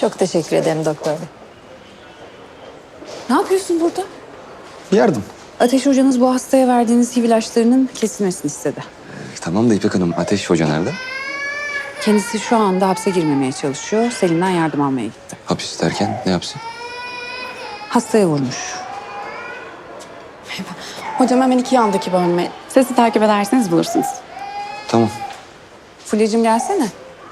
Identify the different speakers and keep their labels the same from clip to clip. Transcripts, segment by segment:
Speaker 1: Çok teşekkür ederim doktor bey.
Speaker 2: Ne yapıyorsun burada?
Speaker 3: Yardım.
Speaker 2: Ateş hocanız bu hastaya verdiğiniz HIV ilaçlarının kesilmesini istedi.
Speaker 3: Tamam da İpek Hanım, Ateş Hoca nerede?
Speaker 2: Kendisi şu anda hapse girmemeye çalışıyor. Selim'den yardım almaya gitti.
Speaker 3: Hapis derken ne yapsın?
Speaker 2: Hastaya vurmuş.
Speaker 4: Hocam hemen iki yandaki bölme. Sesi takip ederseniz bulursunuz.
Speaker 3: Tamam.
Speaker 2: Fulya'cığım gelsene.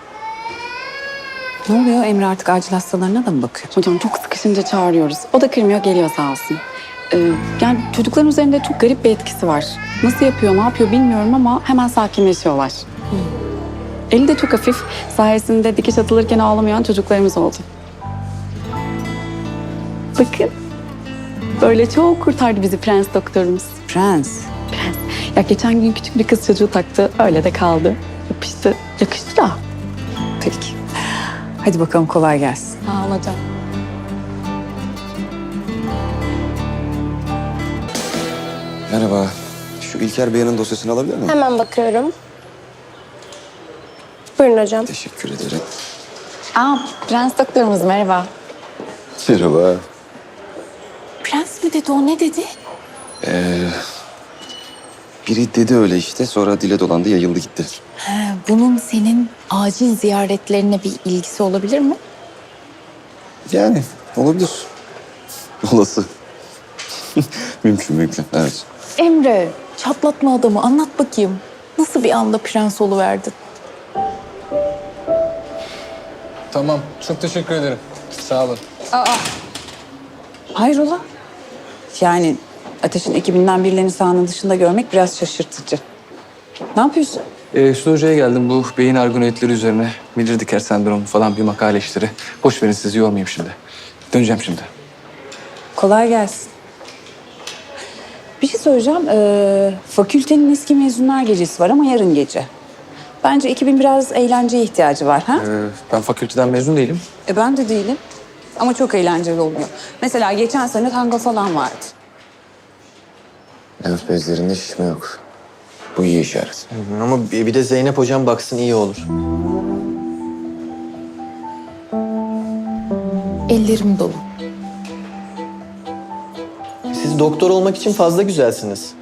Speaker 2: Ne oluyor? Emre artık acil hastalarına da mı bakıyor?
Speaker 4: Hocam çok sıkışınca çağırıyoruz. O da kırmıyor, geliyor sağ olsun. Yani çocukların üzerinde çok garip bir etkisi var. Nasıl yapıyor, ne yapıyor bilmiyorum ama hemen sakinleşiyorlar. Eli de çok hafif. Sayesinde dikiş atılırken ağlamayan çocuklarımız oldu. Bakın. Böyle çok kurtardı bizi prens doktorumuz.
Speaker 2: Prens.
Speaker 4: Prens. Ya geçen gün küçük bir kız çocuğu taktı. Öyle de kaldı. Yapıştı. Yakıştı da.
Speaker 2: Peki. Hadi bakalım kolay gelsin.
Speaker 4: Sağ ol hocam.
Speaker 3: Merhaba. Şu İlker Bey'in dosyasını alabilir miyim?
Speaker 1: Hemen bakıyorum. Buyurun hocam.
Speaker 3: Teşekkür ederim.
Speaker 4: Aa, prens doktorumuz merhaba.
Speaker 3: Merhaba.
Speaker 1: Prens mi dedi o, ne dedi?
Speaker 3: Biri dedi öyle işte, sonra dile dolandı, yayıldı gitti.
Speaker 1: Bunun senin acil ziyaretlerine bir ilgisi olabilir mi?
Speaker 3: Yani olabilir. Olası. Mümkün, evet.
Speaker 1: Emre, çatlatma adamı, anlat bakayım. Nasıl bir anda prens oluverdin?
Speaker 5: Tamam, çok teşekkür ederim. Sağ olun.
Speaker 2: Hayrola? Yani Ateş'in ekibinden birilerini sahanın dışında görmek biraz şaşırtıcı. Ne yapıyorsun?
Speaker 5: Üstü Hoca'ya geldim bu beyin argonoidleri üzerine. Miller-Dicker sendromu falan bir makale işleri. Boş verin, sizi yormayayım şimdi. Döneceğim şimdi.
Speaker 2: Kolay gelsin. Bir şey söyleyeceğim. Fakültenin eski mezunlar gecesi var ama yarın gece. Bence ekibin biraz eğlenceye ihtiyacı var. Ha?
Speaker 5: Ben fakülteden mezun değilim.
Speaker 2: Ben de değilim. Ama çok eğlenceli oluyor. Mesela geçen sene tango falan vardı.
Speaker 3: Lenf bezlerinde şişme yok. Bu iyi işaret.
Speaker 6: Ama bir de Zeynep hocam baksın iyi olur.
Speaker 1: Ellerim dolu.
Speaker 6: Siz doktor olmak için fazla güzelsiniz.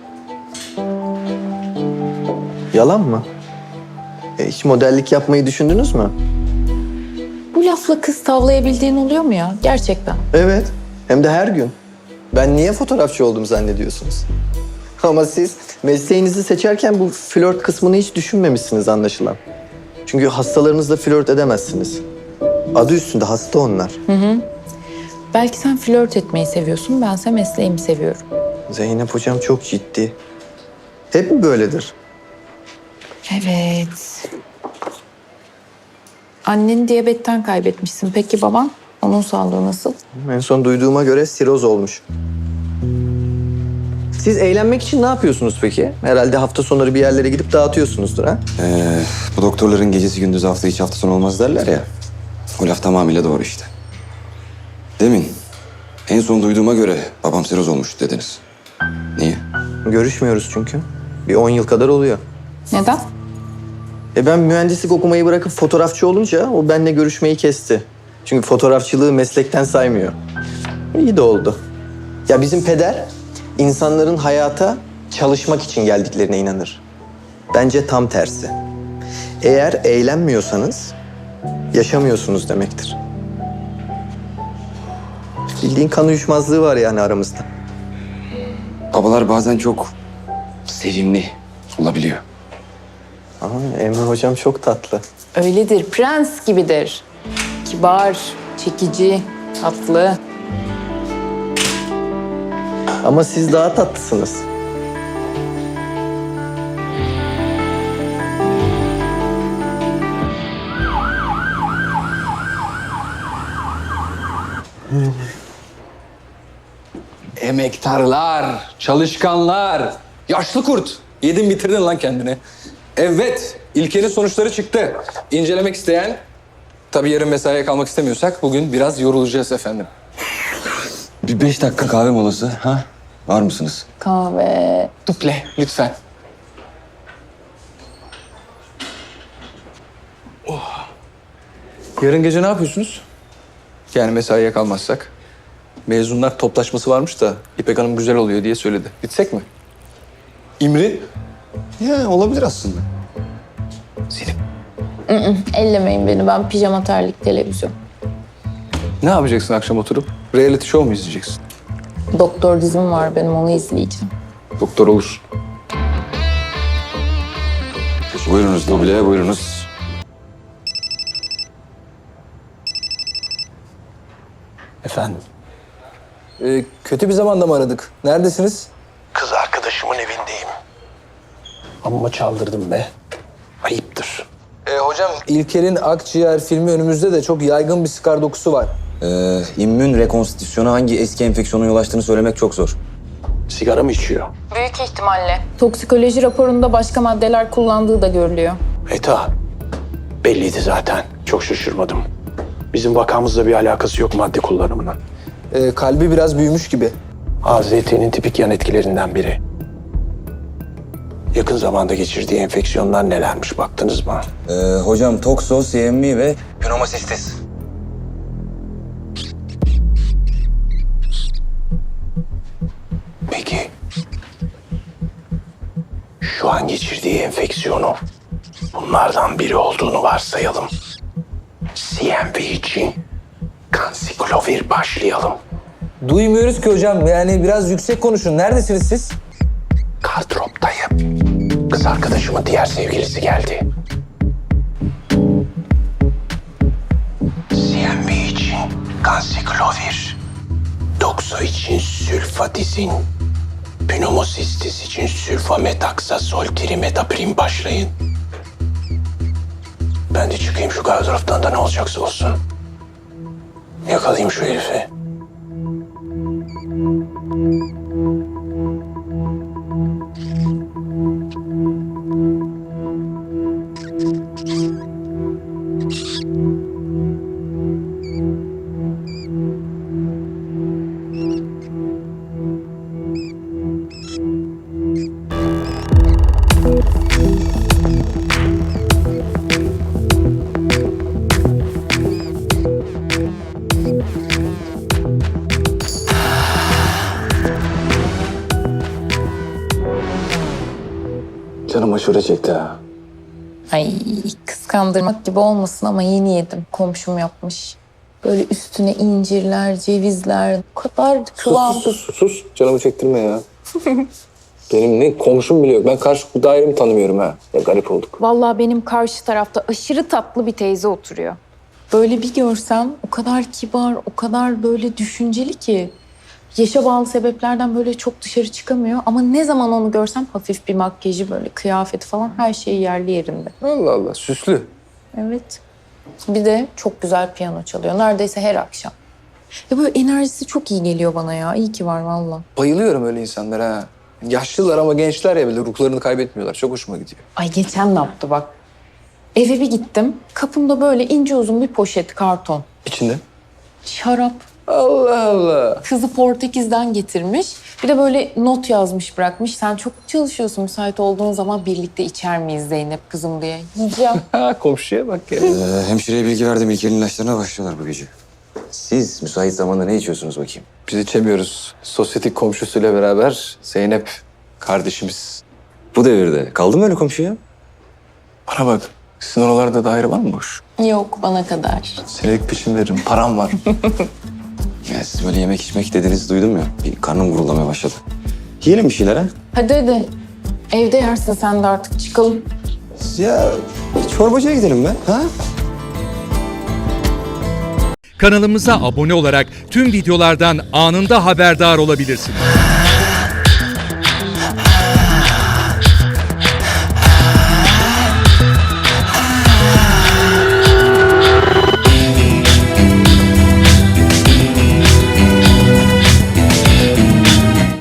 Speaker 6: Yalan mı? Hiç modellik yapmayı düşündünüz mü?
Speaker 1: Bu lafla kız tavlayabildiğin oluyor mu ya? Gerçekten.
Speaker 6: Evet. Hem de her gün. Ben niye fotoğrafçı oldum zannediyorsunuz? Ama siz mesleğinizi seçerken bu flört kısmını hiç düşünmemişsiniz anlaşılan. Çünkü hastalarınızla flört edemezsiniz. Adı üstünde hasta onlar.
Speaker 1: Belki sen flört etmeyi seviyorsun, bense mesleğimi seviyorum.
Speaker 6: Zeynep hocam çok ciddi. Hep mi böyledir?
Speaker 1: Evet. Anneni diyabetten kaybetmişsin. Peki baban? Onun sağlığı nasıl?
Speaker 6: En son duyduğuma göre siroz olmuş. Siz eğlenmek için ne yapıyorsunuz peki? Herhalde hafta sonları bir yerlere gidip dağıtıyorsunuzdur ha?
Speaker 3: Bu doktorların gecesi gündüzü hafta içi hafta sonu olmaz derler ya. O laf tamamıyla doğru işte. Demin en son duyduğuma göre babam siroz olmuş dediniz. Niye?
Speaker 6: Görüşmüyoruz çünkü. Bir 10 yıl kadar oluyor.
Speaker 1: Neden?
Speaker 6: Ben mühendislik okumayı bırakıp fotoğrafçı olunca o benimle görüşmeyi kesti. Çünkü fotoğrafçılığı meslekten saymıyor. İyi de oldu. Ya bizim peder insanların hayata çalışmak için geldiklerine inanır. Bence tam tersi. Eğer eğlenmiyorsanız yaşamıyorsunuz demektir. Bildiğin kan uyuşmazlığı var yani aramızda.
Speaker 3: Babalar bazen çok sevimli olabiliyor.
Speaker 6: Ama Emre hocam çok tatlı.
Speaker 1: Öyledir, prens gibidir. Kibar, çekici, tatlı.
Speaker 6: Ama siz daha tatlısınız.
Speaker 5: Emektarlar, çalışkanlar, yaşlı kurt. Yedin bitirdin lan kendini. Evet, İlker'in sonuçları çıktı. İncelemek isteyen, tabii yarın mesaiye kalmak istemiyorsak bugün biraz yorulacağız efendim.
Speaker 3: Bir 5 dakika kahve molası ha? Var mısınız?
Speaker 1: Kahve.
Speaker 5: Duple lütfen. Yarın gece ne yapıyorsunuz? Yani mesaiye kalmazsak. Mezunlar toplaşması varmış da İpek Hanım güzel oluyor diye söyledi. Gitsek mi? İmri?
Speaker 3: Ya olabilir aslında.
Speaker 5: Selim.
Speaker 1: Ellemeyin beni, ben pijama terlik televizyon.
Speaker 5: Ne yapacaksın akşam oturup? Reality show mu izleyeceksin?
Speaker 1: Doktor dizim var benim, onu izleyeceğim.
Speaker 5: Doktor olur.
Speaker 3: Buyurunuz duble, buyurunuz.
Speaker 5: Efendim? Kötü bir zamanda mı aradık? Neredesiniz?
Speaker 7: Kız arkadaşımın evindeyim. Amma çaldırdım be. Ayıptır.
Speaker 5: Hocam İlker'in Akciğer filmi önümüzde de çok yaygın bir skar dokusu var.
Speaker 3: İmmün rekonstitüsyona hangi eski enfeksiyona yol açtığını söylemek çok zor.
Speaker 7: Sigara mı içiyor?
Speaker 1: Büyük ihtimalle. Toksikoloji raporunda başka maddeler kullandığı da görülüyor.
Speaker 7: Eta. Belliydi zaten. Çok şaşırmadım. Bizim vakamızla bir alakası yok madde kullanımının.
Speaker 5: Kalbi biraz büyümüş gibi.
Speaker 7: AZT'nin tipik yan etkilerinden biri. Yakın zamanda geçirdiği enfeksiyonlar nelermiş baktınız mı?
Speaker 3: Hocam tokso, CMV ve pneumocistis.
Speaker 7: Peki. Şu an geçirdiği enfeksiyonu bunlardan biri olduğunu varsayalım. CMV için kansiklovir başlayalım.
Speaker 5: Duymuyoruz ki hocam. Yani biraz yüksek konuşun. Neredesiniz siz?
Speaker 7: Kardrop'tayım. Kız arkadaşımın diğer sevgilisi geldi. CMV için kansiklovir. Dokso için sülfadizin. Pneumosistis için sülfamethaksazol trimetaprim başlayın. Ben de çıkayım şu gardıroptan da ne olacaksa olsun. Yakalayayım şu herifi.
Speaker 3: Canım aşure çekti ha.
Speaker 1: Ay, kıskandırmak gibi olmasın ama yeni yedim. Komşum yapmış. Böyle üstüne incirler, cevizler. O kadar kıvamlı.
Speaker 5: Sus. Canımı çektirme ya. Benim ne komşum bile yok. Ben karşı dairemi tanımıyorum ha. Ya garip olduk.
Speaker 1: Vallahi benim karşı tarafta aşırı tatlı bir teyze oturuyor. Böyle bir görsem o kadar kibar, o kadar böyle düşünceli ki. Yaşa bağlı sebeplerden böyle çok dışarı çıkamıyor. Ama ne zaman onu görsem hafif bir makyajı, böyle kıyafeti falan her şeyi yerli yerinde.
Speaker 5: Allah Allah. Süslü.
Speaker 1: Evet. Bir de çok güzel piyano çalıyor. Neredeyse her akşam. Ya böyle enerjisi çok iyi geliyor bana ya. İyi ki var vallahi.
Speaker 5: Bayılıyorum öyle insanlara ha. Yaşlılar ama gençler ya bile ruhlarını kaybetmiyorlar. Çok hoşuma gidiyor.
Speaker 1: Ay geçen ne yaptı bak. Eve bir gittim. Kapımda böyle ince uzun bir poşet karton.
Speaker 5: İçinde?
Speaker 1: Şarap.
Speaker 5: Allah Allah.
Speaker 1: Kızı Portekiz'den getirmiş. Bir de böyle not yazmış bırakmış. Sen çok çalışıyorsun. Müsait olduğun zaman birlikte içer miyiz Zeynep kızım diye. Yiyeceğim.
Speaker 5: Ha komşuya bak ya.
Speaker 3: Hemşireye bilgi verdim. İlker'in ilaçlarına başlıyorlar bu gece. Siz müsait zamanda ne içiyorsunuz bakayım?
Speaker 5: Biz içemiyoruz. Sosyetik komşusuyla beraber Zeynep kardeşimiz.
Speaker 3: Bu devirde kaldı mı öyle komşu ya?
Speaker 5: Bana bak. Sizin oralarda daire var mı boş?
Speaker 1: Yok bana kadar.
Speaker 5: Senelik peşin veririm. Param var.
Speaker 3: Ya siz böyle yemek içmek dediğinizi duydum ya. Bir karnım gurulamaya başladı. Yiyelim bir şeyler ha?
Speaker 1: Hadi. Evde yersin sen de artık çıkalım.
Speaker 3: Ya çorbacıya gidelim be. Ha?
Speaker 8: Kanalımıza abone olarak tüm videolardan anında haberdar olabilirsiniz.